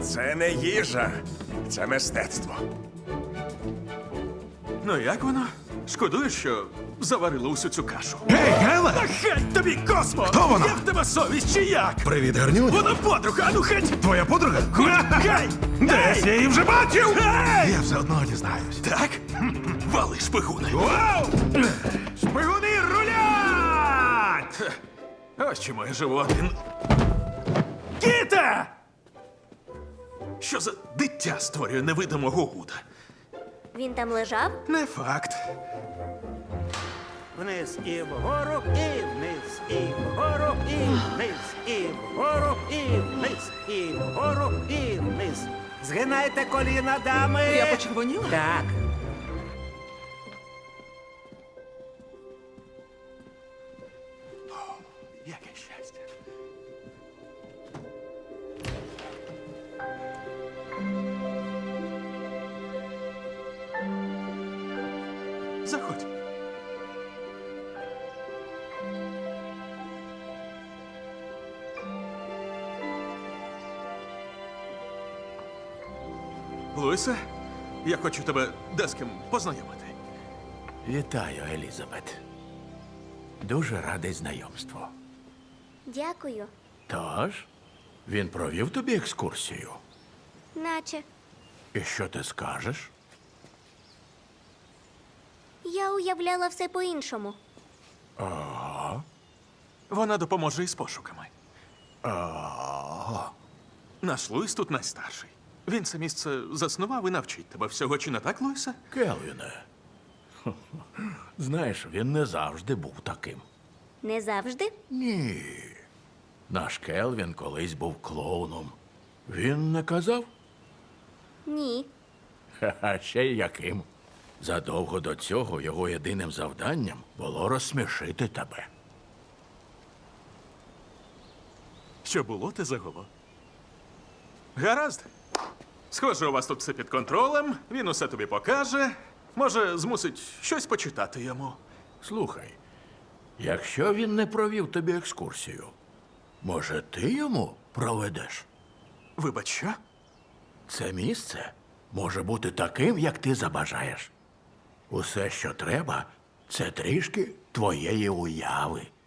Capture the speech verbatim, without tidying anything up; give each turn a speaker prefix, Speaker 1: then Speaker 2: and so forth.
Speaker 1: Це не їжа, це мистецтво.
Speaker 2: Ну як воно? Шкодуєш, що заварила усю цю кашу?
Speaker 3: Гей, Гела!
Speaker 2: Та геть тобі, Космо!
Speaker 3: Хто вона?
Speaker 2: Як в тебе совість чи як?
Speaker 3: Привіт, гарнюнь.
Speaker 2: Вона подруга, а ну геть!
Speaker 3: Твоя подруга?
Speaker 2: Гей!
Speaker 3: Десь я її вже бачив!
Speaker 2: Гей!
Speaker 3: Я все одно дізнаюсь.
Speaker 2: Так? Вали, шпигуни!
Speaker 3: Вау! Шпигуни рулять!
Speaker 2: Ось чому я живу один. Кіте! Що за дитя створює невидимого Гуда?
Speaker 4: Він там лежав?
Speaker 2: Не факт.
Speaker 5: Вниз і вгору, і вниз, і вгору, і вниз, і вгору, і вниз, і вгору, і вниз. Згинайте коліна, дами.
Speaker 6: Я почервоніла?
Speaker 5: Так.
Speaker 2: Яке щастя. Заходь. Луїсе, я хочу тебе де з ким познайомити.
Speaker 7: Вітаю, Елізабет. Дуже радий знайомству.
Speaker 4: Дякую.
Speaker 7: Тож, він провів тобі екскурсію.
Speaker 4: Наче.
Speaker 7: І що ти скажеш?
Speaker 4: Я уявляла все по-іншому.
Speaker 2: Вона допоможе із пошуками.
Speaker 7: А,
Speaker 2: Наш Луїс тут найстарший. Він це місце заснував і навчить тебе всього, чи не так, Луїсе?
Speaker 7: Келвіне. Знаєш, він не завжди був таким.
Speaker 4: Не завжди?
Speaker 7: Ні. Наш Келвін колись був клоуном. Він не казав?
Speaker 4: Ні.
Speaker 7: Ха-ха, ще й яким. Задовго до цього його єдиним завданням було розсмішити тебе.
Speaker 2: Що було, те загуло. Гаразд. Схоже, у вас тут все під контролем, він усе тобі покаже. Може, змусить щось почитати йому.
Speaker 7: Слухай, якщо він не провів тобі екскурсію, може, ти йому проведеш?
Speaker 2: Вибач, що?
Speaker 7: Це місце може бути таким, як ти забажаєш. Усе, що треба, це трішки твоєї уяви.